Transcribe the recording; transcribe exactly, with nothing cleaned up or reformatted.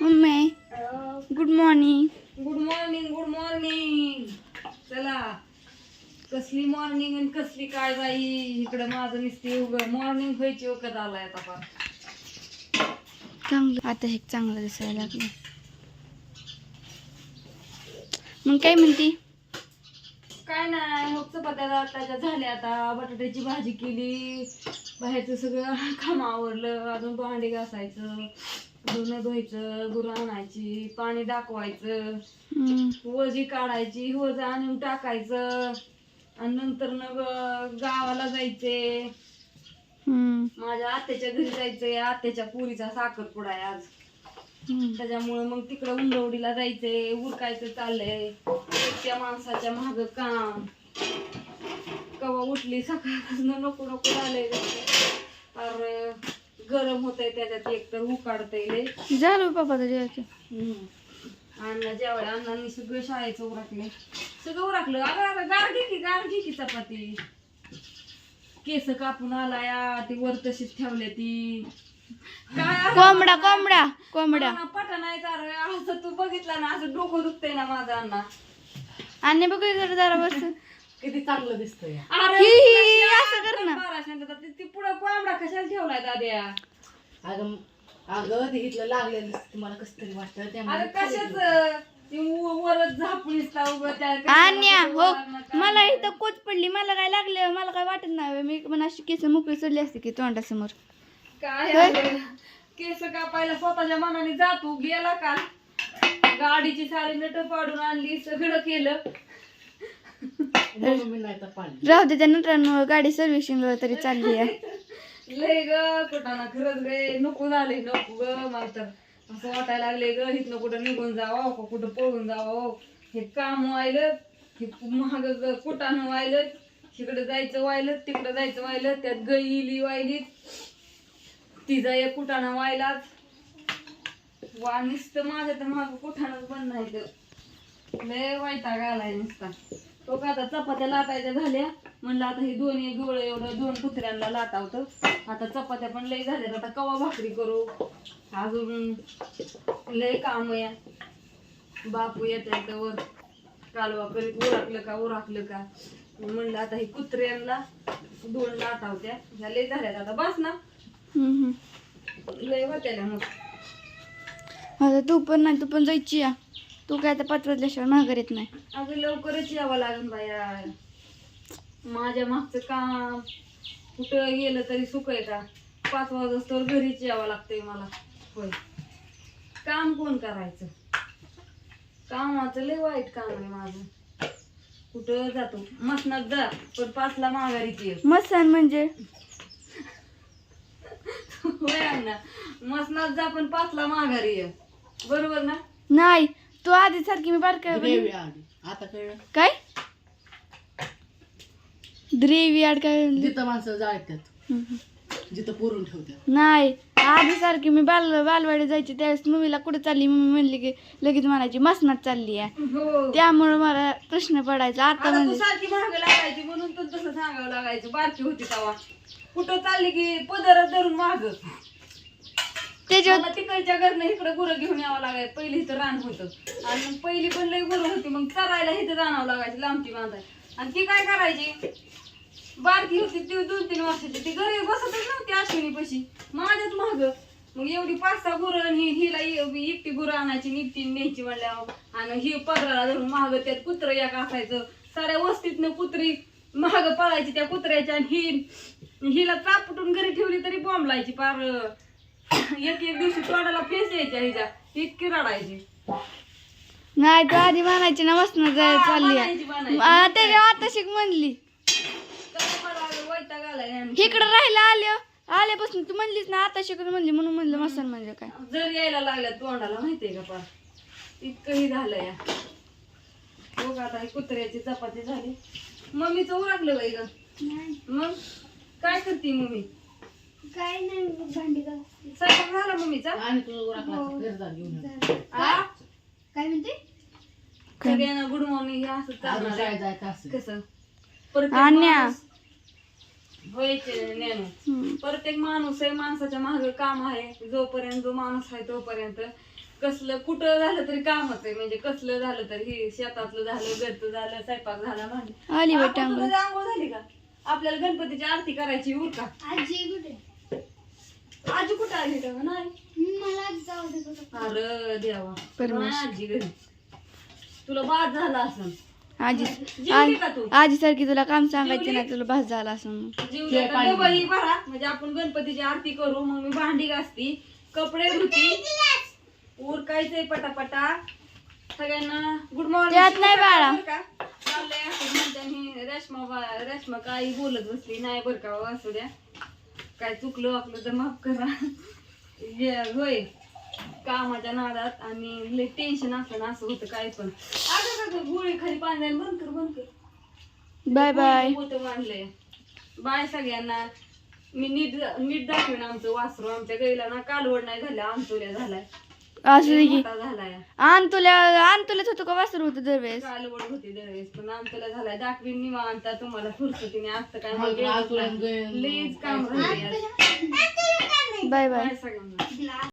Mummy good morning. Good morning good morning. चला कसली morning आणि कसली काय बाई, इकडं माझं नुसती उघड मॉर्निंग व्हायची वखत आलाय आता पण. चांगलं आता हे चांगलं दिसायला लागलं. मग काय म्हणती? काय नाही, मग चपात्या त्याच्या झाल्या, आता बटाट्याची भाजी केली, बाहेरचं सगळं काम आवरलं, अजून भांडी घासायचं, धुणं धुवायचं, गुरं आणायची, पाणी दाखवायचं, वजी काढायची, वज आणून टाकायचं, आणि नंतर मग गावाला जायचे. माझ्या आत्याच्या घरी जायचंय, आत्याच्या पुरीचा साखरपुडा आहे आज, त्याच्यामुळे मग तिकडं उंडवडीला जायचंय, उरकायचं चाललंय. त्या माणसाच्या माग काम, कवा उठली सकाळपासून नको नको झालंय, अरे गरम होतंय त्याच्यात, एक तर उकाडतंय झालं बाबा जेवायचं. अण्णा जेवायला, अण्णांनी सगळं शाळेचं उरकले, सगळं उरकलं. अगं अगं गार घे की, गार घे की चपाती. केस कापून आलाया, ती वर तशीच ठेवले ती. काय कोंबडा कोंबडा कोंबडा पटा नाही का रे, असं तू बघितलं ना, असं डोकं दुखतंय ना माझं अण्णा. आणि बघ जरा जरा बस किती चांगलं दिसतंय. ही, ही, असं कर ना. ती पुढं कोंबडा कशाला ठेवलाय दाद्या? अगं अगं ते इथलं लागलेलं दिसतं, मला कसं तरी वाटतं. अरे त्यामुळे कशाच वरच झापून अन्या हो, मला इथं कोच पडली, मला काय लागलं, मला काय वाटत नाही. मी पण अशी केस मोकळी सोडली असते की तोंडासमोर. काय अगं, केस कापायला स्वतःच्या मनाने जातो, गेला का गाडीची सारी नट पाडून आणली, सगळं केलं. म्हणून मी नाही तर पाणी राहू दे, त्या नंतर गाडी सर्व्हिसिंगला तरी चालली आहे. लय ग कुठाना खरंच गे नको झाले, नको ग. मला तर असं वाटायला लागले ग, इथनं कुठं निघून जावं का कुठं पळून जावं. हे काम व्हायलं, हे महाग कुठानं व्हायलं, इकडं जायचं व्हायलं, तिकडं जायचं व्हायलं, त्यात गईली व्हायली, तिचा एक कुठाना व्हायलाच वा. नुसतं माझ्या तर माग कुठानच बंद नाही तर, लय वैताग आलाय नुसता. तो का आता चपात्या लाटायच्या झाल्या, म्हणलं आता हे दोन्ही डोळं एवढं दोन कुत्र्यांना लाटावतं. आता चपात्या पण लय झाल्यात, आता कवा भाकरी करू, अजून लय काम या. बापू येत वर कालवा करीत, उरकलं का उरकलं का. म्हणलं आता हे कुत्र्यांना दोन लाटावत्या, ह्या लय झाल्यात आता, बस ना. लय होत्याला मग आता तू पण नाही, तू पण जायची या. तू काय आता पाच वाजल्याशिवाय माघार येत नाही. अगं लवकरच यावं लागेल बाया, माझ्या मागचं काम कुठं गेलं तरी सुख आहे का. पाच वाजता तर घरीच यावं लागतंय मला. होय, काम कोण करायचं, कामाचं लय वाईट काम आहे माझं. कुठं जातो मसनात जा, पण पाचला माघारीची ये. मसान म्हणजे होय अण्णा, मसनात जा पण पाचला माघारी ये, बरोबर ना? नाही, तू आधी सारखी मी बारका ग्रेव्ही आली. आता कळलं काय ग्रेव्ही आड काय जिथं माणसं जाळतात, जिथं पुरून ठेवतात. नाही, आधी सारखी मी बाल बालवाडी जायची त्यावेळेस मम्मीला कुठे चालली, मम्मी म्हणली की लगेच म्हणायची मसनात चालली आहे. हो, त्यामुळे मला प्रश्न पडायचा. आता आता तू म्हणजे सारखी महाग लागायची म्हणून तू तसं सांगावं लागायचं. बारकी होती तेव्हा कुठं चालली की पदरात धरून माग, त्याच्यावर तिकडच्या घरनं इकडं गुरं घेऊन यावं लागायचं. पहिली इथं रान होतं, आणि मग पहिली पण लई गुरं होती, मग चरायला इथं जाणावं लागायचं, लांबची बांधायची. आणि ती काय करायची, बारकी होती ती दोन तीन वर्षाची, ती घरी बसतच नव्हती अश्विनी पशी, माझ्याच माग. मग एवढी पाच सहा गुरं, ही हिला एकटी गुरं आणायची, एकटी न्यायची म्हणल्यावर, आणि ही पदराला धरून महाग, त्यात कुत्रं एक असायचं, साऱ्या वस्तीतनं कुत्री महाग पळायची त्या कुत्र्याच्या, आणि ही हिला चापटून घरी ठेवली तरी बॉम्ब लायची पार. एक एक दिवशी तोंडाला फेस यायच्या हिच्या, इतकी रडायची. नाही, तू आधी म्हणायची ना मसनात जायला चालली म्हणायची, म्हणायची. आहे. त्याच्या आता शिक म्हणली काय मला वैताग आलाय आणि इकडं राहायला आल्या आल्यापासून तू म्हणलीस ना आता शिकत म्हणली, म्हणून म्हणलं मसन म्हणजे काय. जर यायला लागल्या तोंडाला माहितीये का पार, इतकंही झालं या. बघ आता ही कुत्र्याची चपाती झाली, मम्मीचं उरकलं बाई ग. मग काय करते मम्मी? काय नाही, भांडी स्वयंपाक झाला मम्मीचा? आणि तुला उरकला घरदार घेऊन ये. आ? काय म्हणते सगळ्यांना गुड मॉर्निंग हे असं अजून चालणार काय आहे. जायचं असं कसं परत अन्या. माणूस व्हायचे ज्ञानू. हम्म. प्रत्येक माणूस आहे, माणसाच्या मागे काम आहे. जोपर्यंत जो माणूस आहे तोपर्यंत कसलं कुठं झालं तरी कामच आहे. म्हणजे कसलं झालं तरी हे शेतातलं झालं, घरचं झालं, स्वयंपाक झाला, भांडी. आली आपण वाटतं अंघोळ. तुला आंघोळ झाली का? आपल्याला गणपतीची आरती करायची उर का? आजी कुठं आली का? नाही. अरे देवा, परमेश्वर. नाही आजी घरी. तुला बाद झाला असं. आजी जेवली का तू? आजी सारखी तुला काम सांगायचं जेवली? ना, तुला भास झाला असं. जेवली का? डबही भरा म्हणजे आपण गणपतीची आरती करू. मग मी भांडी घासती, कपडे धुती, उरकायचंय पटापटा. सगळ्यांना गुड मॉर्निंग. त्यात नाही बाळा. चाललंय असं म्हणते मी. रेश्मा बा- रेश्मा काही बोलत बसली नाही बरं का. असू द्या, काय चुकलं आपलं तर माफ करा. हे होय, कामाच्या नादात आणि लय टेन्शन असलं ना असं होतं काय पण. अगं का गोळी खाली पाणी बंद कर बंद कर. Bye bye. होतं मानलंय. बाय सगळ्यांना. मी नीट नीट दाखवेन आमचं वासरू. आमच्या गाईला ना कालवड नाही झाल्या, आंतोल्या झालाय. असू दे की. मोठा झालाय. आण तुला आण तुलाच होतं का वासरू होतं दरवेळेस. कालवड होती दरवेळेस, पण आंतोल्या झालाय. दाखवीन निवांत तुम्हाला फुरसतीने. असतं काय मग आज तुला गं- लईच काम राहिले. Bye bye. बाय सगळ्यांना.